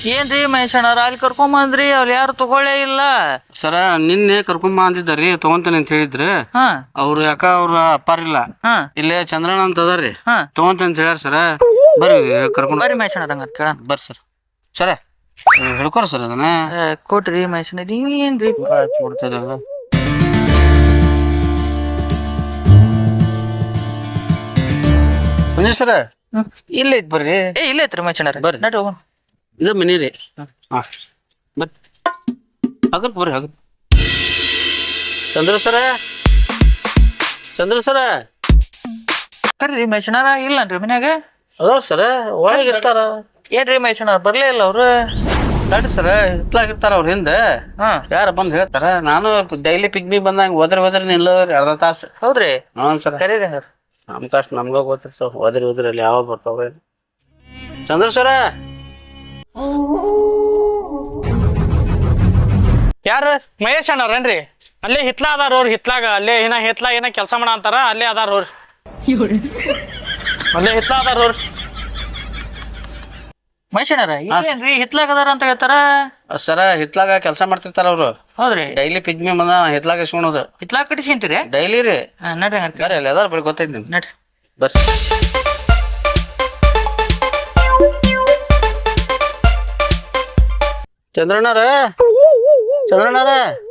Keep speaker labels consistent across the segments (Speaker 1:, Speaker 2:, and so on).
Speaker 1: ಏನ್ರಿ ಮಹೇಶಣ್ಣವ್ರ ಅಲ್ಲಿ ಕರ್ಕೊಂಬಂದ್ರಿ ಅವ್ರು ಯಾರು ತಗೊಳ್ಳೇ ಇಲ್ಲ.
Speaker 2: ಸರ ನಿನ್ನೆ ಕರ್ಕೊಂಬ ಅಂದಿದ್ದಾರಿ ತಗೊಂತಾನೆ ಅಂತ ಹೇಳಿದ್ರಿ. ಅವ್ರು ಯಾಕ ಅವ್ರ ಅಪ್ಪಾರಿಲ್ಲ, ಇಲ್ಲೇ ಚಂದ್ರಣ್ಣ ಅಂತ ಅದಾರ್ರಿ, ತಗೊಂತಾನೆ ಅಂತ ಹೇಳ್ಯಾರ ಸರ. ಬರ್ರಿ ಕರ್ಕೊಂಡ್
Speaker 1: ಬರ್ರಿ ಮಹೇಶಣ್ಣ ಹಂಗ ಕೇಳ.
Speaker 2: ಬರ್ರಿ ಸರ್. ಸರ ಹೇಳ್ಕೊರ ಸರ್ ಅದನ್ನ
Speaker 1: ಕೊಟ್ರಿ ಮಹೇಶಣ್ಣ. ನೀವೇನ್ರಿ
Speaker 2: ಕೊಡ್ತಿದ್ದ ಸರ ಇಲ್ಲ ಐತ್ ಬರ್ರಿ.
Speaker 1: ಇಲ್ಲ ಐತ್ರಿ ಮಹೇಶಣ್ಣ ಬರ್ರಿ ನಡ್ರಿ ಹೋಗೋಣ.
Speaker 2: ಇದು ಮನಿ ರೀ. ಹಾ ಬರ್ರಿ ಹಗರ್ ಬರ್ರಿ ಹಗರ್. ಚಂದ್ರ ಸರ, ಚಂದ್ರ ಸರ
Speaker 1: ಕರ್ರಿ ಮಹೇಶಣ್ಣರ ಇಲ್ಲನ್ರಿ ಮನ್ಯಾಗ?
Speaker 2: ಅದಾವ ಸರ, ಒಳಗೆ ಇರ್ತಾರ.
Speaker 1: ಏನ್ರಿ ಮಹೇಶಣ್ಣವ್ರ ಬರ್ಲೇ ಇಲ್ಲ ಅವ್ರು?
Speaker 2: ತಡ್ರಿ ಸರ, ಇರ್ತಾರ ಅವ್ರ ಹಿಂದೆ. ಯಾರ ಬಂದ್ ಹೇಳ್ತಾರ. ನಾನು ಡೈಲಿ ಪಿಕ್ನಿಕ್ ಬಂದಂಗ ಹೋದ್ರೆ ನಿಲ್ಲದ್ರಿ ಅರ್ಧ ತಾಸು.
Speaker 1: ಹೌದ್ರಿ?
Speaker 2: ಹ್ಞೂ ಸರ.
Speaker 1: ಕರೀರಿ ಹಂಗಾರ.
Speaker 2: ನಮ್ ಕಷ್ಟ ನಮ್ಗ ಗೊತ್ತಿರ್ತಾವ. ಹೋದ್ರಿ ಅಲ್ಲಿ ಯಾವ ಬರ್ತಾವ. ಚಂದ್ರ ಸರ
Speaker 3: ಯಾರ ಮಹೇಶ್ ಅಣ್ಣವ್ರೇನ್ರಿ? ಅಲ್ಲೇ ಹಿತ್ಲ ಅದಾರ ಅವ್ರ. ಹಿತ್ಲಾಗ ಅಲ್ಲೇ ಹಿತ್ಲಾಗ ಏನ ಕೆಲಸ ಮಾಡ ಅಂತಾರ, ಅಲ್ಲೇ ಅದಾರ ಅವ್ರ. ಅಲ್ಲೇ ಹಿತ್ಲ ಅದಾರ ಅವ್ರ.
Speaker 1: ಮಹೇಶಣ್ಣರ ಏನ್ರಿ ಹಿತ್ಲಾಗ ಅದಾರ ಅಂತ ಹೇಳ್ತಾರ?
Speaker 2: ಸರ ಹಿತ್ಲಾಗ ಕೆಲಸ ಮಾಡ್ತಿರ್ತಾರ ಅವ್ರು.
Speaker 1: ಹೌದ್ರಿ?
Speaker 2: ಡೈಲಿ ಪಿಕ್ನಿಕ್ ಬಂದ ಹಿತ್ಲಾಗ ಇಸ್ಕೊಳೋದು.
Speaker 1: ಹಿತ್ಲಾಗ ಕಟ್ಟಿಸಿಂತೀರಿ?
Speaker 2: ಡೈಲಿ ರೀ.
Speaker 1: ನಡ್ರಿ ಹಂಗಾರ.
Speaker 2: ಬರ್ರಿ ಅಲ್ಲಿ ಅದಾರ, ಬರೀ ಗೊತ್ತೈತಿ ನಿಮ್ಗೆ.
Speaker 1: ನಡ್ರಿ
Speaker 2: ಬರ್ರಿ. ಚಂದ್ರಣ್ಣರ, ಚಂದ್ರಣ್ಣರ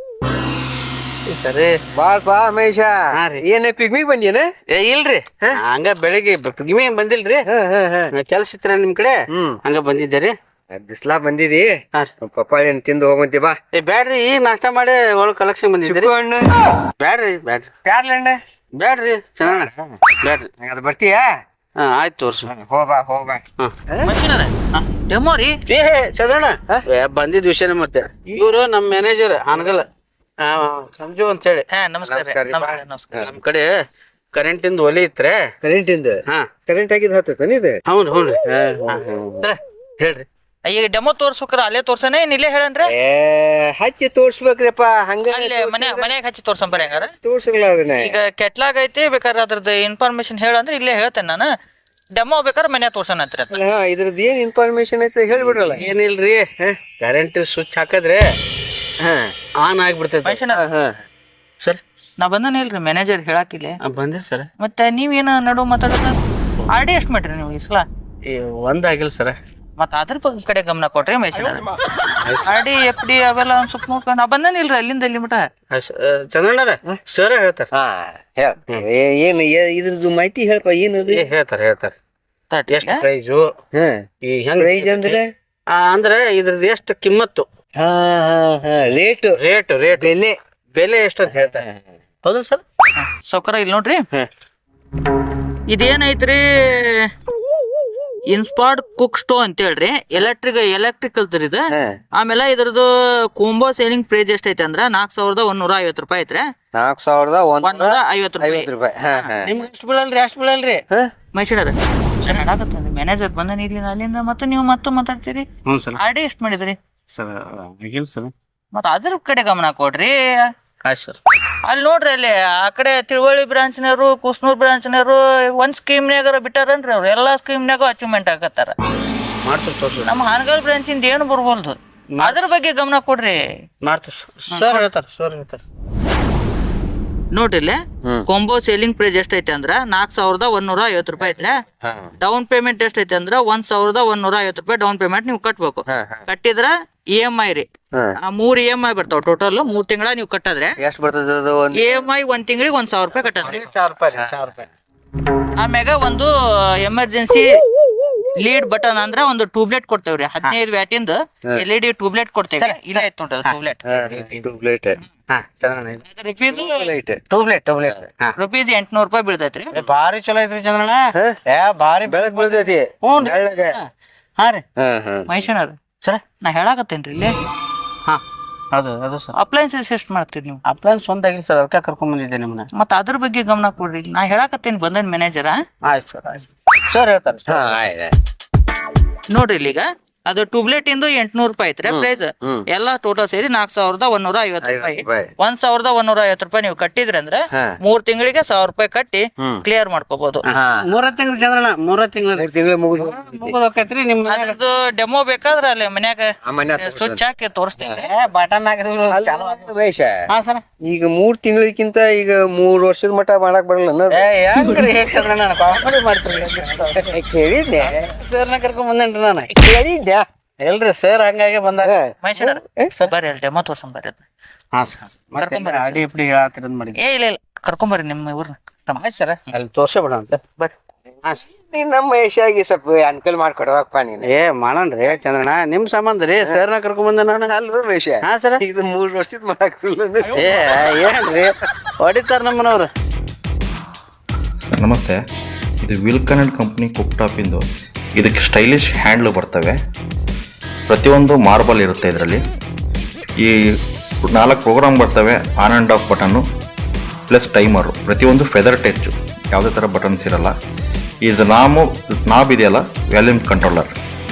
Speaker 2: ಸರಿ
Speaker 4: ಬಾಳ್ಪಾ ಮಹೇಶ. ಏನ ಪಿಗ್ಮಿಗ್ ಬಂದೇನ?
Speaker 2: ಇಲ್ರಿ, ಹಂಗ ಬೆಳಿಗ್ಗೆ ಪಿಗ್ಮಿ ಬಂದಿಲ್ರಿ. ಕೆಲ್ಸ ಇತ್ರ ನಿಮ್ ಕಡೆ, ಹಂಗ ಬಂದಿದ್ದೀರಿ.
Speaker 4: ಬಿಸ್ಲಾ ಬಂದಿದಿ, ಪಪ್ಪಾಳಿ ಹಣ್ಣು ತಿಂದು ಹೋಗಂತಿ ಬಾ.
Speaker 2: ಬ್ಯಾಡ್ರಿ, ಈಗ ನಾಷ್ಟ ಮಾಡಿ ಒಳಗ್ ಕಲೆಕ್ಷನ್ ಬಂದಿದ್ದೀರಿ.
Speaker 4: ಹಣ್ಣು
Speaker 2: ಬ್ಯಾಡ್ರಿ ಬ್ಯಾಡ್ರಿ
Speaker 4: ಪ್ಯಾರ್ಲ ಹಣ್ಣು
Speaker 2: ಬ್ಯಾಡ್ರಿ ಚಂದ್ರಣ್ಣ ಬ್ಯಾಡ್ರಿ.
Speaker 4: ಅದು ಬರ್ತೀಯಾ?
Speaker 2: ಆಯ್ತು ತೋರ್ಸು.
Speaker 4: ಹೋಗ್ಬಾ.
Speaker 1: ಮಹೇಶಣ್ಣರ ಡೆಮೋ ರೀ?
Speaker 2: ಏ ಚಂದ್ರಣ್ಣ ಬಂದಿದ್ ವಿಷಯನೇ ಮತ್ತೆ. ಇವ್ರು ನಮ್ ಮ್ಯಾನೇಜರ್ ಹಾನಗಲ್ ಸಂಜು ಅಂತ ಹೇಳಿ.
Speaker 1: ನಮಸ್ಕಾರ.
Speaker 2: ನಮ್ ಕಡೆ ಕರೆಂಟ್ ಇಂದ ಒಲಿ ಇತ್ರೆ.
Speaker 4: ಕರೆಂಟ್ ಇಂದ? ಕರೆಂಟ್ ಆಗಿದ್ ಹತ್ತತಾನ ಇದು?
Speaker 2: ಹೌನ್ರಿ. ಹೇಳ್ರಿ.
Speaker 1: ಈಗ ಡೆಮೋ ತೋರ್ಸ್ಬೇಕಾರ ಅಲ್ಲೇ ತೋರ್ಸನೆ ಇಲ್ಲೇ ಹೇಳನ್ರಿ?
Speaker 4: ಹಚ್ಚಿ ತೋರ್ಸ್ಬೇಕ್ರಿಪ್ಪ. ಹಂಗ
Speaker 1: ಅಲ್ಲೇ ಮನ್ಯಾಗ ಹಚ್ಚಿ ತೋರ್ಸಂಬರಿ ಹಂಗಾರ?
Speaker 4: ತೋರ್ಸಲ್ಲ ಅದನ್ನ.
Speaker 1: ಈಗ ಕೆಟ್ಲಾಗ ಐತಿ, ಬೇಕಾದ್ರೆ ಅದ್ರದ್ದು ಇನ್ಫಾರ್ಮೇಶನ್ ಹೇಳಂದ್ರೆ ಇಲ್ಲೇ ಹೇಳ್ತೇನೆ ನಾನು. ಡೆಮೋ ಬೇಕಾದ್ರೆ ಮನ್ಯಾಗ ತೋರ್ಸೋಣ ಅಂತ್ರಿ.
Speaker 4: ಇದ್ರದ್ದು ಏನ್ ಇನ್ಫಾರ್ಮೇಶನ್ ಐತೆ ಹೇಳ್ಬಿಡ್ರಲ್ಲ.
Speaker 2: ಏನಿಲ್ರಿ, ಕರೆಂಟ್ ಸ್ವಿಚ್ ಹಾಕದ್ರೆ ಆನ್ ಆಗ್ಬಿಡ್ತೈತಿ.
Speaker 1: ಮಹೇಶಣ್ಣ
Speaker 2: ಸರ್
Speaker 1: ನಾ ಬಂದನ ಇಲ್ರಿ ಮ್ಯಾನೇಜರ್ ಹೇಳಾಕಿಲ್ಲ.
Speaker 2: ಬಂದಿರಿ ಸರ್.
Speaker 1: ಮತ್ತೆ ನೀವೇನ ನಡು ಮಾತಾಡೋದು? ಆರ್ ಡಿ ಎಷ್ಟು ಮಾಡ್ರಿ ನೀವು ಇಸ್ಲಾ?
Speaker 2: ಒಂದಾಗಿಲ್ಲ ಸರ್.
Speaker 1: ಮತ್ತ ಅದ್ರ ಕಡೆ ಗಮನ ಕೊಟ್ರಿ ಮಹೇಶಣ್ಣ. ಆರ್ ಡಿ ಎಫ್ ಡಿ ಅವೆಲ್ಲ ಒಂದ್ ಸ್ವಲ್ಪ ನೋಡ್ಕೊಂಡು ನಾ ಬಂದನ ಇಲ್ರಿ ಅಲ್ಲಿಂದ ಇಲ್ಲಿ ಮಟ.
Speaker 2: ಚಂದ್ರಣ್ಣರ ಸರ್ ಹೇಳ್ತಾರ.
Speaker 4: ಏನ್ ಇದ್ರದ್ದು ಮಾಹಿತಿ ಹೇಳ್ಪ. ಏನದು
Speaker 2: ಹೇಳ್ತಾರ. ಎಷ್ಟು ಪ್ರೈಜು,
Speaker 4: ಪ್ರೈಸ್ ಅಂದ್ರೆ?
Speaker 2: ಅಂದ್ರೆ ಇದ್ರದ್ದು ಎಷ್ಟು ಕಿಮ್ಮತ್ತು,
Speaker 4: ರೇಟ್
Speaker 2: ಬೆಲೆ ಎಷ್ಟು ಅಂತ ಹೇಳ್ತಾರೆ. ಹೌದು ಸರ್.
Speaker 1: ಸೌಕರ ಇಲ್ಲಿ ನೋಡ್ರಿ, ಇದೇನೈತ್ರಿ ಇನ್ಸ್ಪಾರ್ಡ್ ಕುಕ್ ಸ್ಟೋ ಅಂತ ಹೇಳ್ರಿ. ಎಲೆಕ್ಟ್ರಿಕಲ್ ಇದು. ಆಮೇಲೆ ಇದ್ರದ್ದು ಕೋಂಬೋ ಸೇಲಿಂಗ್ ಪ್ರೈಸ್ ಎಷ್ಟ ಐತೆ ಅಂದ್ರ 4150 ರೂಪಾಯಿ ಐತ್ರಿ.
Speaker 4: 4150 ರೂಪಾಯಿ.
Speaker 2: ನಿಮ್ಗೆ ಎಷ್ಟು ಬೀಳಲ್ರಿ?
Speaker 1: ಮಹೇಶಣ್ಣರ ಹೇಳಾಕತ್ತಂದ್ರಿ ಮ್ಯಾನೇಜರ್ ಬಂದನ ಇಲ್ಲಿ ಅಲ್ಲಿಂದ. ಮತ್ತೆ ನೀವು ಮಾತಾಡ್ತೀರಿ. ಆರ್ ಡಿ ಎಷ್ಟು ಮಾಡಿದ್ರಿ
Speaker 2: ಸರ್?
Speaker 1: ಮತ್ತ ಅದ್ರ ಕಡೆ ಗಮನ ಕೊಡ್ರಿ.
Speaker 2: ಆಯ್ತು ಸರ್.
Speaker 1: ಅಲ್ಲಿ ನೋಡ್ರಿ, ಅಲ್ಲಿ ಆ ಕಡೆ ತಿಳುವಳಿ ಬ್ರಾಂಚ್ನವರು, ಕುಸ್ನೂರ್ ಬ್ರಾಂಚ್ನವರು ಒಂದ್ ಸ್ಕೀಮ್ನಾಗಾರ ಬಿಟ್ಟಾರನ್ರಿ. ಅವ್ರು ಎಲ್ಲಾ ಸ್ಕೀಮ್ನಾಗ ಅಚೀವ್ಮೆಂಟ್ ಆಗತ್ತಾರ. ನಮ್ಮ ಹಾನಗಲ್ ಬ್ರಾಂಚಿಂದ ಏನು ಬರ್ಬೋಲ್ದು. ಅದ್ರ ಬಗ್ಗೆ ಗಮನ ಕೊಡ್ರಿ. ನೋಡ್ರಿ ಇಲ್ಲಿ ಕಾಂಬೋ ಸೇಲಿಂಗ್ ಪ್ರೈಸ್ ಎಷ್ಟ ಐತೆ ಅಂದ್ರ 4150 ರೂಪಾಯಿ ಐತ್ರಿ. ಡೌನ್ ಪೇಮೆಂಟ್ ಎಷ್ಟ ಐತೆ ಅಂದ್ರ 1150 ರೂಪಾಯಿ ಡೌನ್ ಪೇಮೆಂಟ್ ನೀವು ಕಟ್ಬೇಕು. ಕಟ್ಟಿದ್ರ EMI ರೀ. 3 EMI ಬರ್ತಾವ. ಟೋಟಲ್ 3 ತಿಂಗಳ ನೀವು ಕಟ್ಟದ್ರೆ
Speaker 4: ಎಷ್ಟು ಬರ್ತದ?
Speaker 1: EMI 1 ತಿಂಗಳಿಗೆ 1000 ರೂಪಾಯಿ ಕಟ್ಟದ್ರಿ.
Speaker 2: 1000 ರೂಪಾಯಿ.
Speaker 1: ಆಮ್ಯಾಗ ಒಂದು ಎಮರ್ಜೆನ್ಸಿ ಲೀಡ್ ಬಟನ್ ಅಂದ್ರ ಒಂದು ಟ್ಯೂಬ್ಲೈಟ್ ಕೊಡ್ತೇವ್ರಿ. 15 ವ್ಯಾಟಿಂದ LED ಟ್ಯೂಬ್ಲೈಟ್ ಕೊಡ್ತೇವೆ. ಇಲ್ಲ ಐತ್ ನೋಡ್ರಿ ಟ್ಯೂಬ್ಲೈಟ್. ರುಪೀಸ್ 800 ರೂಪಾಯಿ ಬೀಳ್ತೈತ್ರಿ.
Speaker 2: ಭಾರಿ ಚಲೋ ಐತ್ರಿ ಚಂದ್ರಣ್ಣ. ಭಾರಿ
Speaker 4: ಬೆಳಕ್ ಬೀಳ್ತೈತಿ.
Speaker 2: ಹಾ ರೀ
Speaker 1: ಮಹೇಶಣ್ಣರ ಸರ್, ನಾ ಹೇಳಾಕತ್ತೇನ್ರಿ ಇಲ್ಲಿ.
Speaker 2: ಅದು ಸರ್.
Speaker 1: ಅಪ್ಲೈನ್ಸಸ್ ಎಷ್ಟು ಮಾಡ್ತೀರಿ ನೀವು?
Speaker 2: ಅಪ್ಲೈನ್ಸ್ ಒಂದಾಗಿಲ್ಲ ಸರ್, ಅದಕ್ಕೆ ಕರ್ಕೊಂಡ್ ಬಂದಿದ್ದೆ ನಿಮ್ಮನ್ನ.
Speaker 1: ಮತ್ತ ಅದ್ರ ಬಗ್ಗೆ ಗಮನ ಕೊಡ್ರಿ. ನಾ ಹೇಳಾಕತ್ತೇನ್ ಬಂದನ್ ಮ್ಯಾನೇಜರ.
Speaker 2: ಆಯ್ತು ಸರ್. ಸರ್ ಹೇಳ್ತಾರೆ
Speaker 1: ನೋಡ್ರಿ, ಇಲ್ಲಿಗ ಅದು ಟ್ಯೂಬ್ಲೆಟ್ ಇಂದು 800 ರೂಪಾಯಿ ಐತ್ರಿ ಪ್ರೈಸ್. ಎಲ್ಲಾ ಟೋಟಲ್ ಸೇರಿ 4150 ರೂಪಾಯಿ. 1150 ರೂಪಾಯಿ ನೀವು ಕಟ್ಟಿದ್ರಿ ಅಂದ್ರೆ 3 ತಿಂಗಳಿಗೆ 1000 ರೂಪಾಯಿ ಕಟ್ಟಿ ಕ್ಲಿಯರ್ ಮಾಡ್ಕೋಬಹುದು.
Speaker 2: 3 ತಿಂಗಳು ಚಂದ್ರಣ್ಣ 3 ತಿಂಗಳು ಮುಗಿದೋಕೈತ್ರಿ. ನಿಮ್
Speaker 1: ಅದ್ರದ್ದು ಡೆಮೋ ಬೇಕಾದ್ರೆ ಅಲ್ಲಿ ಮನ್ಯಾಗ ಸ್ವಿಚ್ ಹಾಕಿ ತೋರಿಸ್ತೀನಿ.
Speaker 2: ಬಟನ್ ಹಾ ಸರ್.
Speaker 4: ಈಗ 3 ತಿಂಗಳಿಗಿಂತ ಈಗ 3 ವರ್ಷದ ಮಟ್ಟ ಮಾಡಕ್ ಬರಲ್ಲ
Speaker 2: ಹೆಂಗ್ರಿ ಚಂದ್ರಣ್ಣ ಕಾಮಿಡಿ ಮಾಡ್ತೀರಿ?
Speaker 4: ಕೇಳಿದ್ದೆ
Speaker 2: ಸರ್ನ ಕರ್ಕೊಂಡ್ ಬಂದೇನ್ರಿ ನಾನು.
Speaker 4: ಕೇಳಿದ್ದೆ
Speaker 2: ಎಲ್ರಿ ಸರ್ ಹಂಗಾಗಿ ಬಂದಾಗ
Speaker 1: ಮಹೇಶಣ್ಣ ಬರ್ರಿ ಅಲ್ಲಿ ಡೆಮೋ ತೋರ್ಸಂ ಬರ್ರಿ.
Speaker 2: ಹಾ ಸರ್ ಅಡಿ ಇಪ್ಪಡಿ ಹೇಳತ್ತೀರ ಮಾಡಿದ್ರಿ.
Speaker 1: ಇಲ್ಲ ಕರ್ಕೊಂಬರ್ರಿ ನಿಮ್ಮ ಇವ್ರನ್ನ
Speaker 2: ಸರ್ ಅಲ್ಲಿ ತೋರ್ಸಬೇಡ ಅಂತ
Speaker 1: ಬರ್ರಿ.
Speaker 4: ನಮ್ಮ ಮಹೇಶಾಗಿ ಸ್ವಲ್ಪ ಅನ್ಕಲ್ ಮಾಡ್ಕೊಡವಪ್ಪ ನೀನು.
Speaker 2: ಮಾಡಣ್ರಿ ಚಂದ್ರಣ್ಣ ನಿಮ್ ಸಂಬಂಧ ರೀ ಸರ್ನ ಕರ್ಕೊಂಡ್ ಬಂದೆ ನಾನು.
Speaker 4: ಅಲ್ವ ಮಹೇಶ?
Speaker 2: ಹಾ ಸರ್.
Speaker 4: ಇದು 3 ವರ್ಷದ ಮಾಡಕ್
Speaker 2: ಏನ್ರಿ ಹೊಡಿತಾರ ನಮ್ಮನವ್ರು.
Speaker 5: ನಮಸ್ತೆ, ಇದು ವಿಲ್ಕನ್ & ಕಂಪ್ನಿ ಕುಕ್ ಟಾಪಿಂದು. ಇದಕ್ಕೆ ಸ್ಟೈಲಿಶ್ ಹ್ಯಾಂಡ್ಲು ಬರ್ತವೆ. ಪ್ರತಿಯೊಂದು ಮಾರ್ಬಲ್ ಇರುತ್ತೆ ಇದರಲ್ಲಿ. ಈ 4 ಪ್ರೋಗ್ರಾಮ್ ಬರ್ತವೆ. ಆನ್ ಆ್ಯಂಡ್ ಆಫ್ ಬಟನ್ನು ಪ್ಲಸ್ ಟೈಮರು. ಪ್ರತಿಯೊಂದು ಫೆದರ್ ಟಚ್ಚು, ಯಾವುದೇ ಥರ ಬಟನ್ಸ್ ಇರಲ್ಲ. ಇದು ನಾಬ್ ಇದೆಯಲ್ಲ, ವ್ಯಾಲ್ಯೂಮ್ ಕಂಟ್ರೋಲರ್.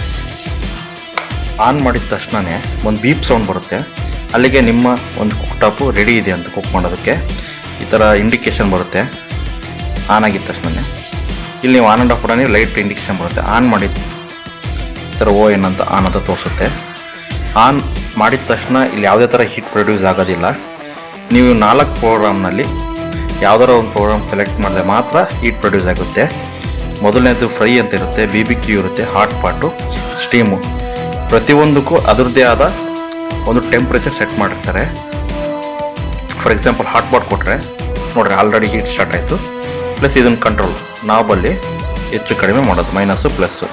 Speaker 5: ಆನ್ ಮಾಡಿದ ತಕ್ಷಣವೇ ಒಂದು ಬೀಪ್ ಸೌಂಡ್ ಬರುತ್ತೆ. ಅಲ್ಲಿಗೆ ನಿಮ್ಮ ಒಂದು ಕುಕ್ ಟಾಪು ರೆಡಿ ಇದೆ ಅಂತ ಕುಕ್ ಮಾಡೋದಕ್ಕೆ ಈ ಥರ ಇಂಡಿಕೇಶನ್ ಬರುತ್ತೆ. ಆನ್ ಆಗಿದ ತಕ್ಷಣ ಇಲ್ಲಿ ನೀವು on and off button light indication ಬರುತ್ತೆ. ಆನ್ ಮಾಡಿದ ಈ ಥರ ON ಅಂತ ಆನ್ ಅಂತ ತೋರಿಸುತ್ತೆ. ಆನ್ ಮಾಡಿದ ತಕ್ಷಣ ಇಲ್ಲಿ ಯಾವುದೇ ಥರ ಹೀಟ್ ಪ್ರೊಡ್ಯೂಸ್ ಆಗೋದಿಲ್ಲ. ನೀವು 4 ಪ್ರೋಗ್ರಾಮ್ನಲ್ಲಿ ಯಾವುದಾರ ಒಂದು ಪ್ರೋಗ್ರಾಮ್ ಸೆಲೆಕ್ಟ್ ಮಾಡಿದ್ರೆ ಮಾತ್ರ ಹೀಟ್ ಪ್ರೊಡ್ಯೂಸ್ ಆಗುತ್ತೆ. ಮೊದಲನೇದು ಫ್ರೈ ಅಂತ ಇರುತ್ತೆ, BBQ ಇರುತ್ತೆ, ಹಾಟ್ ಪಾಟು, ಸ್ಟೀಮು. ಪ್ರತಿಯೊಂದಕ್ಕೂ ಅದರದ್ದೇ ಆದ ಒಂದು ಟೆಂಪ್ರೇಚರ್ ಸೆಟ್ ಮಾಡಿರ್ತಾರೆ. ಫಾರ್ ಎಕ್ಸಾಂಪಲ್ ಹಾಟ್ ಪಾಟ್ ಕೊಟ್ಟರೆ ನೋಡಿರಿ ಆಲ್ರೆಡಿ ಹೀಟ್ ಸ್ಟಾರ್ಟ್ ಆಯಿತು. ಪ್ಲಸ್ ಇದನ್ನು ಕಂಟ್ರೋಲ್ ನಾಬಲ್ಲಿ ಹೆಚ್ಚು ಕಡಿಮೆ ಮಾಡೋದು, ಮೈನಸ್ಸು ಪ್ಲಸ್ಸು.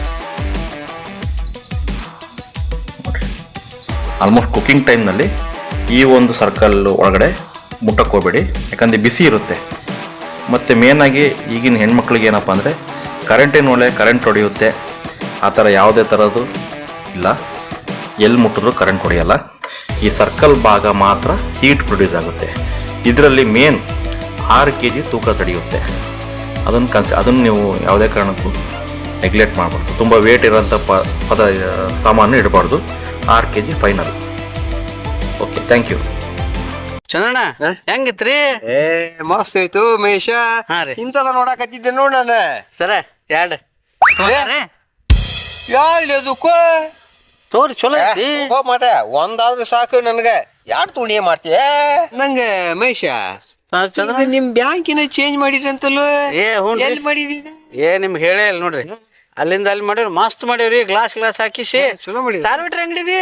Speaker 5: ಆಲ್ಮೋಸ್ಟ್ ಕುಕ್ಕಿಂಗ್ ಟೈಮ್ನಲ್ಲಿ ಈ ಒಂದು ಸರ್ಕಲ್ ಒಳಗಡೆ ಮುಟ್ಟಕ್ಕೆ ಹೋಗಬೇಡಿ, ಯಾಕಂದರೆ ಬಿಸಿ ಇರುತ್ತೆ. ಮತ್ತು ಮೇನಾಗಿ ಈಗಿನ ಹೆಣ್ಮಕ್ಳಿಗೆ ಏನಪ್ಪ ಅಂದರೆ ಕರೆಂಟ್ ಹೊಡೆಯುತ್ತೆ. ಆ ಥರ ಯಾವುದೇ ಥರದ್ದು ಇಲ್ಲ. ಎಲ್ಲಿ ಮುಟ್ಟಿದ್ರು ಕರೆಂಟ್ ಹೊಡೆಯಲ್ಲ. ಈ ಸರ್ಕಲ್ ಭಾಗ ಮಾತ್ರ ಹೀಟ್ ಪ್ರೊಡ್ಯೂಸ್ ಆಗುತ್ತೆ. ಇದರಲ್ಲಿ ಮೇನ್ 6 kg ತೂಕ ತಡೆಯುತ್ತೆ. ಅದನ್ನು ನೀವು ಯಾವುದೇ ಕಾರಣಕ್ಕೂ ನೆಗ್ಲೆಕ್ಟ್ ಮಾಡಬಾರ್ದು. ತುಂಬ ವೇಟ್ ಇರೋಂಥ ಸಾಮಾನು ಇಡಬಾರ್ದು. 6 kg final. Okay, thank you.
Speaker 2: ಚಂದ್ರಣ್ಣ ಹೆಂಗಿತ್ರಿ?
Speaker 4: ಮಸ್ತ್ ಆಯ್ತು ಮಹೇಶ. ಇಂಥದ ನೋಡಕತ್ತಿದ್ದೆ ನೋಡ್ ನಾನು.
Speaker 2: ಸರ ಎರಡು
Speaker 4: ಅದಕ್ಕೂ
Speaker 2: ತೋರಿ ಚಲೋ ಐತಿ.
Speaker 4: ಮಟ ಒಂದಾದ್ರೂ ಸಾಕು ನನ್ಗ. 2 ತುಣಿ ಮಾಡ್ತೀಯ ನಂಗೆ ಮಹೇಶ. ನಿಮ್ ಬ್ಯಾಂಕಿನ ಚೇಂಜ್ ಮಾಡಿರಂತಲ್ಲ? ಎಲ್ಲಿ ಮಾಡಿದೀಗ?
Speaker 2: ನಿಮ್ಗೆ ಹೇಳೇ ಇಲ್ಲ ನೋಡ್ರಿ. ಅಲ್ಲಿಂದ ಅಲ್ಲಿ ಮಾಡಿವ್ರಿ, ಮಸ್ತ್ ಮಾಡಿವ್ರಿ. ಗ್ಲಾಸ್ ಹಾಕಿಸಿ
Speaker 4: ಚಲೋ ಮಾಡಿ
Speaker 2: ಸಾರ್ಬಿಟ್ರಿ ಅಂಗಡಿ ರೀ.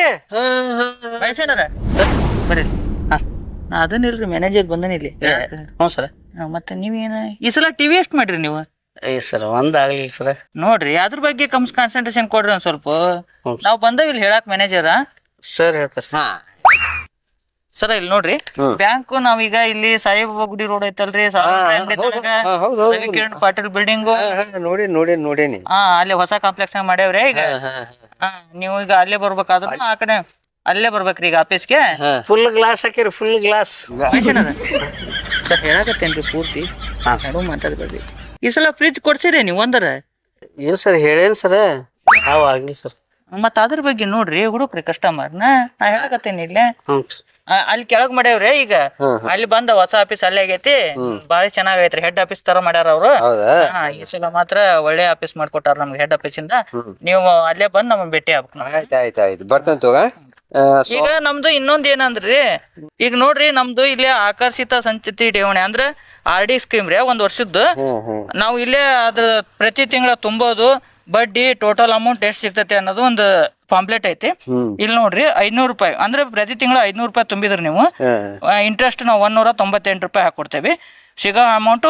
Speaker 1: ಬರ್ರಿ. ನಾ ಅದನ್ನಿಲ್ರಿ ಮ್ಯಾನೇಜರ್ ಬಂದನ ಇಲ್ಲಿ.
Speaker 2: ಹ್ಞೂ ಸರ್.
Speaker 1: ಮತ್ತೆ ನೀವೇನ ಈ ಸಲ ಟಿವಿ ಎಷ್ಟು ಮಾಡ್ರಿ ನೀವು?
Speaker 2: ಸರ್ ಒಂದಾಗ್ಲಿ ಸರ್.
Speaker 1: ನೋಡ್ರಿ ಅದ್ರ ಬಗ್ಗೆ ಕಾನ್ಸಂಟ್ರೇಷನ್ ಕೊಡ್ರಿ ಒಂದ್ ಸ್ವಲ್ಪ. ನಾವ್ ಬಂದವ್ ಇಲ್ಲಿ ಹೇಳಾಕ್ ಮ್ಯಾನೇಜರ್
Speaker 2: ಸರ್ ಹೇಳ್ತಾರ.
Speaker 1: ಸರ ಇಲ್ಲಿ ನೋಡ್ರಿ, ಬ್ಯಾಂಕ್ ನಾವೀಗ ಇಲ್ಲಿ ಸಾಯಿಬಾಬಾ ಗುಡಿ ರೋಡ್ ಐತಲ್ರಿ, ಕಿರಣ್ ಪಾಟೀಲ್ ಬಿಲ್ಡಿಂಗ್
Speaker 4: ನೋಡೇನಿ.
Speaker 1: ಅಲ್ಲಿ ಹೊಸ ಕಾಂಪ್ಲೆಕ್ಸ್ ಮಾಡ್ಯಾವ್ರಿ. ಈಗ ನೀವು ಈಗ ಅಲ್ಲೇ ಬರ್ಬೇಕಾದ್ರು ಆ ಕಡೆ ಅಲ್ಲೇ ಬರ್ಬೇಕ್ರಿ ಈಗ ಆಫೀಸ್ಗೆ.
Speaker 2: ಫುಲ್ ಗ್ಲಾಸ್ ಹಾಕಿರಿ, ಫುಲ್ ಗ್ಲಾಸ್.
Speaker 1: ಸರ್ ಹೇಳಾಕತ್ತೇನ್ರಿ ಪೂರ್ತಿ ಮಾತಾಡ್ಬೇಡ್ರಿ. ಈ ಸಲ ಫ್ರಿಜ್ ಕೊಡ್ಸಿರಿ ನೀವು ಒಂದರ?
Speaker 2: ಇಲ್ಲ ಸರ್, ಹೇಳೇನ್ ಸರ್. ಆಗ್ಲಿ ಸರ್.
Speaker 1: ಮತ್ತ ಅದ್ರ ಬಗ್ಗೆ ನೋಡ್ರಿ ಹುಡುಕ್ರಿ ಕಸ್ಟಮರ್ ನಾ ಹೇಳಕತ್ತೇನಿ ಇಲ್ಲೇ. ಅಲ್ಲಿ ಕೆಳಗ್ ಮಾಡ್ಯಾವ್ರಿ. ಈಗ ಅಲ್ಲಿ ಬಂದ ಹೊಸ ಆಫೀಸ್ ಅಲ್ಲೇ ಆಗೈತಿ. ಬಾಳ ಚೆನ್ನಾಗೈತ್ರಿ. ಹೆಡ್ ಆಫೀಸ್ ತರ ಮಾಡ್ಯಾರ ಅವ್ರು. ಈ ಸಲ ಮಾತ್ರ ಒಳ್ಳೆ ಆಫೀಸ್ ಮಾಡ್ಕೊಟ್ಟಾರ ನಮ್ಗೆ ಹೆಡ್ ಆಫೀಸ್ ಇಂದ. ನೀವು ಅಲ್ಲೇ ಬಂದ್ ನಮ್ಗೆ ಭೇಟಿ ಆಗ್ಬೇಕು.
Speaker 4: ಆಯ್ತು ಬರ್ತಂತ ತೋಗ.
Speaker 1: ಈಗ ನಮ್ದು ಇನ್ನೊಂದ್ ಏನಂದ್ರಿ, ಈಗ ನೋಡ್ರಿ ನಮ್ದು ಇಲ್ಲೇ ಆಕರ್ಷಿತ ಸಂಚಿತಿ ಠೇವಣಿ ಅಂದ್ರ RD ಸ್ಕೀಮ್ ರೀ. 1 ವರ್ಷದ್ದು ನಾವು ಇಲ್ಲೇ ಅದ್ರ ಪ್ರತಿ ತಿಂಗಳ ತುಂಬೋದು, ಬಡ್ಡಿ, ಟೋಟಲ್ ಅಮೌಂಟ್ ಎಷ್ಟು ಸಿಗ್ತೈತಿ ಅನ್ನೋದು ಒಂದು ಪಾಂಪ್ಲೆಟ್ ಐತಿ. ಇಲ್ಲಿ ನೋಡ್ರಿ 500 ರೂಪಾಯಿ ಅಂದ್ರೆ ಪ್ರತಿ ತಿಂಗಳ 500 ರೂಪಾಯಿ ತುಂಬಿದ್ರಿ ನೀವು ಇಂಟ್ರೆಸ್ಟ್ ನಾವು 198 ರೂಪಾಯಿ ಹಾಕೊಡ್ತೇವಿ. ಸಿಗೋ ಅಮೌಂಟ್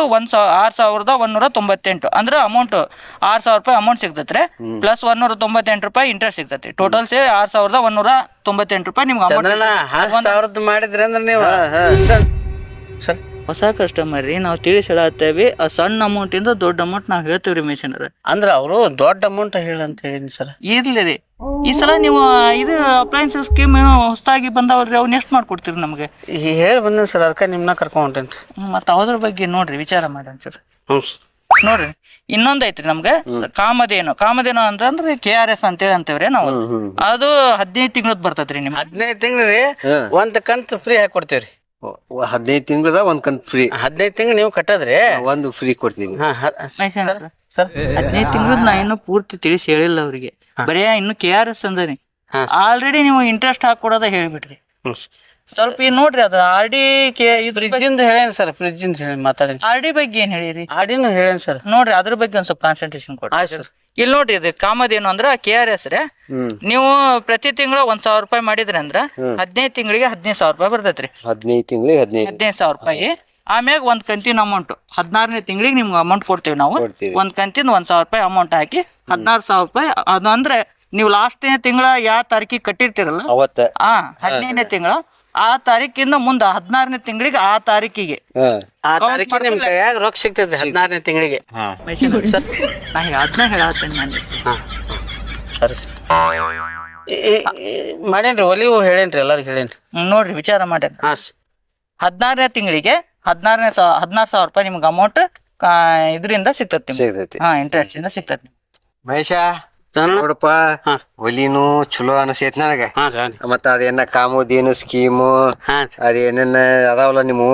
Speaker 1: 6198 ಅಂದ್ರೆ ಅಮೌಂಟ್ 6000 ರೂಪಾಯಿ ಅಮೌಂಟ್ ಸಿಗ್ತೈತ್ರಿ. ಪ್ಲಸ್ 198 ರೂಪಾಯಿ ಇಂಟ್ರೆಸ್ಟ್ ಸಿಗ್ತೈತಿ. ಟೋಟಲ್ ಸೇ 6198 ರೂಪಾಯಿ ನಿಮ್ಗೆ ಅಮೌಂಟ್
Speaker 2: ಮಾಡಿದ್ರಿ ಅಂದ್ರೆ ನೀವು. ಸರ್
Speaker 1: ಹೊಸ ಕಸ್ಟಮರ್ ರೀ, ನಾವು ತಿಳಿಸಿ ಹೇಳತ್ತೇವಿ. ಆ ಸಣ್ಣ ಅಮೌಂಟ್ ಇಂದ ದೊಡ್ಡ ಅಮೌಂಟ್ ನಾವ್ ಹೇಳ್ತೇವ್ರಿ ಮಿಷನರ್.
Speaker 2: ಅಂದ್ರ ಅವರು ದೊಡ್ಡ ಅಮೌಂಟ್ ಹೇಳಂತ ಹೇಳಿನಿ ಸರ್.
Speaker 1: ಇರ್ಲಿ ರೀ, ಈ ಸಲ ನೀವು ಇದು ಅಪ್ಲೈನ್ಸ್ ಸ್ಕೀಮ್ ಏನೋ ಹೊಸದಾಗಿ ಬಂದವ್ರಿ, ಅವ್ನ ಎಷ್ಟು ಮಾಡ್ಕೊಡ್ತೀರಿ ನಮ್ಗೆ?
Speaker 2: ಹೇಳಿ ಬಂದೇನ್ ಸರ್, ಅದಕ್ಕೆ ನಿಮ್ನ ಕರ್ಕೊಂಡ್ ಹೊಂಟೇನ್ರಿ.
Speaker 1: ಮತ್ತೆ ಅದ್ರ ಬಗ್ಗೆ ನೋಡ್ರಿ ವಿಚಾರ ಮಾಡೋಣ ಸರ್.
Speaker 2: ಹ್ಞೂ
Speaker 1: ನೋಡ್ರಿ ಇನ್ನೊಂದ್ ಐತ್ರಿ ನಮ್ಗೆ ಕಾಮಧೇನು ಅಂತಂದ್ರೆ KRS ಅಂತೇಳಿ ಅಂತೇವ್ರಿ ನಾವು. ಅದು 15 ತಿಂಗಳದ್ ಬರ್ತೈತ್ರಿ ನಿಮ್ಗೆ.
Speaker 2: 15 ತಿಂಗಳು ರೀ ಒಂದ್ ಕಂತ್ ಫ್ರೀ ಹಾಕಿ ಕೊಡ್ತೇವ್ರಿ.
Speaker 4: 15 ತಿಂಗಳದ ಒಂದ್ ಕಂತ್ ಫ್ರೀ.
Speaker 2: 15 ತಿಂಗಳು ನೀವು ಕಟ್ಟದ್ರಿ
Speaker 4: ಒಂದು ಫ್ರೀ ಕೊಡ್ತೀವಿ.
Speaker 2: ಸರ್
Speaker 1: 15 ತಿಂಗಳದ್ ನಾ ಇನ್ನೂ ಪೂರ್ತಿ ತಿಳಿಸಿ ಹೇಳಿಲ್ಲ ಅವ್ರಿಗೆ. ಬರೇ ಇನ್ನು KRS ಅಂದ್ರಿ. ಆಲ್ರೆಡಿ ನೀವು ಇಂಟ್ರೆಸ್ಟ್ ಹಾಕೊಡೋದ ಹೇಳ್ಬಿಟ್ರಿ. ಸ್ವಲ್ಪ ಈಗ ನೋಡ್ರಿ ಅದು RD
Speaker 2: ಫ್ರಿಜ್ಜಿಂದ ಹೇಳೇನ್ ಸರ್, ಫ್ರಿಜ್ಜಿಂದ ಹೇಳಿ ಮಾತಾಡಿ.
Speaker 1: RD ಬಗ್ಗೆ ಏನ್ ಹೇಳಿರಿ?
Speaker 2: ಆಡಿನೂ ಹೇಳೇನ್ ಸರ್.
Speaker 1: ನೋಡ್ರಿ ಅದ್ರ ಬಗ್ಗೆ ಒಂದ್ ಸ್ವಲ್ಪ ಕಾನ್ಸಂಟ್ರೇಷನ್ ಕೊಡ್ರಿ.
Speaker 2: ಆಯ್ತು ಸರ್.
Speaker 1: ಇಲ್ಲಿ ನೋಡ್ರಿ ಇದು ಕಾಮಧೇನು ಅಂದ್ರ KRS ರೀ. ನೀವು ಪ್ರತಿ ತಿಂಗಳು 1,000 ರೂಪಾಯಿ ಮಾಡಿದ್ರಿ ಅಂದ್ರ 15 ತಿಂಗಳಿಗೆ 15,000 ರೂಪಾಯಿ ಬರ್ತೈತ್ರಿ.
Speaker 4: 15 ತಿಂಗಳಿಗೆ
Speaker 1: 15,000 ರೂಪಾಯಿ. ಆಮ್ಯಾಗ ಒಂದ್ ಕಂತಿನ ಅಮೌಂಟ್ 16ನೇ ತಿಂಗಳಿಗೆ ನಿಮ್ಗೆ ಅಮೌಂಟ್ ಕೊಡ್ತೀವಿ ನಾವು. ಒಂದ್ ಕಂತಿನ 1,000 ರೂಪಾಯಿ ಅಮೌಂಟ್ ಹಾಕಿ 16,000 ರೂಪಾಯಿ. ಅದು ಅಂದ್ರೆ ನೀವು ಲಾಸ್ಟ್ನೇ ತಿಂಗಳ ಯಾವ ತಾರೀಕಿಗೆ ಕಟ್ಟಿರ್ತೀರಲ್ಲ
Speaker 4: ಅವತ್ತ
Speaker 1: 15ನೇ ತಿಂಗಳ ಆ ತಾರೀಕಿಂದ ಮುಂದ 16ನೇ ತಿಂಗಳಿಗೆ ಆ ತಾರೀಕಿಗೆ
Speaker 2: ಆ ತಾರೀಕಿಗೆ ನಿಮ್ ಕೈಯಾಗ ರೊಕ್ಕ ಸಿಗ್ತೈತಿ 16ನೇ ತಿಂಗಳಿಗೆ.
Speaker 1: ಸರ್ ನಾ ಅದನ್ನ ಹೇಳತ್ತೇನೆ ನಾನು.
Speaker 2: ಸರಿ ಸರ್ ಮಾಡೇನ್ರಿ, ಒಲಿವು ಹೇಳೇನ್ರಿ, ಎಲ್ಲರಿಗೂ ಹೇಳೇನ್ರಿ.
Speaker 1: ನೋಡ್ರಿ ವಿಚಾರ ಮಾಡ್ಯಾರ. 16ನೇ ತಿಂಗಳಿಗೆ 16,000 ರೂಪಾಯಿ ನಿಮ್ಗೆ ಅಮೌಂಟ್ ಇದರಿಂದ ಸಿಗ್ತತಿ. ಇಂಟ್ರೆಸ್ಟ್ ಇಂದ ಸಿಗ್ತತಿ.
Speaker 4: ಮಹೇಶ ನೋಡಪ್ಪ, ಒಲಿನು ಚಲೋ ಅನಸೈತಿ ನನಗ. ಮತ್ತ ಅದೇನ ಕಾಮಧೇನು ಸ್ಕೀಮು ಅದೇನೇನ ಅದಾವಲ್ಲ ನೀವು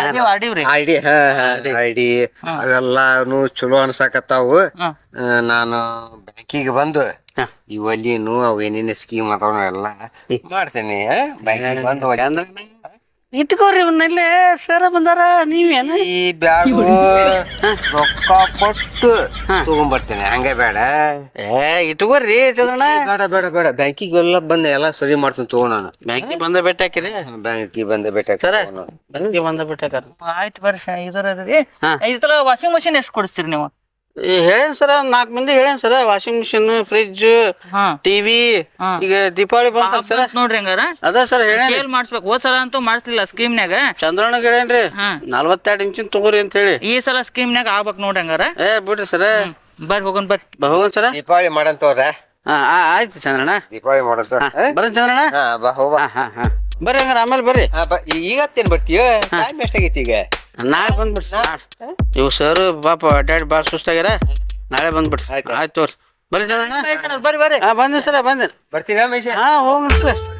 Speaker 4: ಐಡಿ ಅವೆಲ್ಲಾನು ಚಲೋ ಅನ್ಸಾಕತ್ತಾವು. ನಾನು ಬ್ಯಾಂಕಿಗೆ ಬಂದು ಈ ಒಲಿನು ಅವೇನೇನ ಸ್ಕೀಮ್ ಅದಾವ ಎಲ್ಲ ಮಾಡ್ತೇನೆ. ಬ್ಯಾಂಕಿಗೆ ಬಂದು
Speaker 2: ಇಟ್ಕೋರಿ ಇವನ್ನೆಲ್ಲೇ ಸರ ಬಂದಾರ, ನೀವೇನ
Speaker 4: ಈ ಬ್ಯಾಡು ರೊಕ್ಕ ಕೊಟ್ಟು ತಗೊಂಡ್ಬರ್ತೇನೆ. ಹಂಗ ಬೇಡ,
Speaker 2: ಇಟ್ಕೋರಿ ಚಂದ್ರಣ್ಣ.
Speaker 4: ಬೇಡ ಬ್ಯಾಂಕಿಗೆ ಎಲ್ಲ ಬಂದ ಎಲ್ಲ ಸರಿ ಮಾಡ್ತೀನಿ ತಗೋ. ನಾನು
Speaker 2: ಬ್ಯಾಂಕಿಗೆ ಬಂದ ಭೇಟಿ ಹಾಕಿರಿ.
Speaker 4: ಬ್ಯಾಂಕಿಗೆ ಬಂದ ಭೇಟಿ
Speaker 2: ಸರ ಬ್ಯಾಂಕಿಗೆ ಬಂದ ಭೇಟಿ ಹಾಕಾರ.
Speaker 1: ಆಯ್ತು ಬರ್ರಿ. ಇದರ ವಾಷಿಂಗ್ ಮಷಿನ್ ಎಷ್ಟು ಕೊಡಿಸ್ತೀರಿ ನೀವು?
Speaker 2: ಹೇಳೇನ್ ಸರ, 4 ಮಂದಿ ಹೇಳೇನ್ sir. Washing machine, fridge, TV. ಈಗ ದೀಪಾವಳಿ ಬಂತ ಸರ,
Speaker 1: ನೋಡ್ರಿ ಹಂಗಾರ
Speaker 2: ಅದ ಸರ್
Speaker 1: ಸೇಲ್ ಮಾಡ್ಸ್ಬೇಕು. ಹೋದ್ ಸಲ ಅಂತೂ ಮಾಡಿಸ್ಲಿಲ್ಲ ಸ್ಕೀಮ್ನಾಗ.
Speaker 2: ಚಂದ್ರಣ್ಣಗ್ ಹೇಳೇನ್ರಿ 42 ಇಂಚಿನ ತಗೋರಿ ಅಂತ ಹೇಳಿ.
Speaker 1: ಈ ಸಲ ಸ್ಕೀಮ್ನಾಗ ಆಗ್ಬೇಕು ನೋಡ್ರಿ ಹಂಗಾರ.
Speaker 2: ಬಿಡ್ರಿ ಸರ,
Speaker 1: ಬರ್ರಿ ಹೋಗೋಣ ಬರ್ರಿ.
Speaker 2: ಹೋಗೋಣ ಸರ.
Speaker 4: ದೀಪಾವಳಿ ಮಾಡಂತವ್ರ.
Speaker 2: ಆಯ್ತು ಚಂದ್ರಣ್ಣ,
Speaker 4: ದೀಪಾವಳಿ ಮಾಡಂತ
Speaker 2: ಬರ್ರಿ ಚಂದ್ರಣ್ಣ. ಬರ್ರಿ ಹಂಗಾರ ಆಮೇಲೆ ಬರ್ರಿ.
Speaker 4: ಈಗತ್ತೇನ್ ಬರ್ತೀಯ? ಟೈಮ್ ಎಷ್ಟಾಗೈತಿ ಈಗ?
Speaker 2: ನಾಳೆ ಬಂದ್ಬಿಡ್ರಿ. ಇವ್ ಸರ್ ಪಾಪ ಅಡ್ಡಾಡಿ ಬಾಳ ಸುಸ್ತಾಗ್ಯಾರ. ನಾಳೆ ಬಂದ್ಬಿಡ್ರಿ. ಆಯ್ತು ತೋರಿ. ಬರ್ರಿ ಚಂದ್ರಣ್ಣ.
Speaker 1: ಬರ್ರಿ ಬರ್ರಿ.
Speaker 2: ಬಂದ್ರಿ ಸರ, ಬಂದ್ರಿ.
Speaker 4: ಬರ್ತೀರಾ ಮಹೇಶ?
Speaker 2: ಹೋಗ್ರಿ ಸರ್.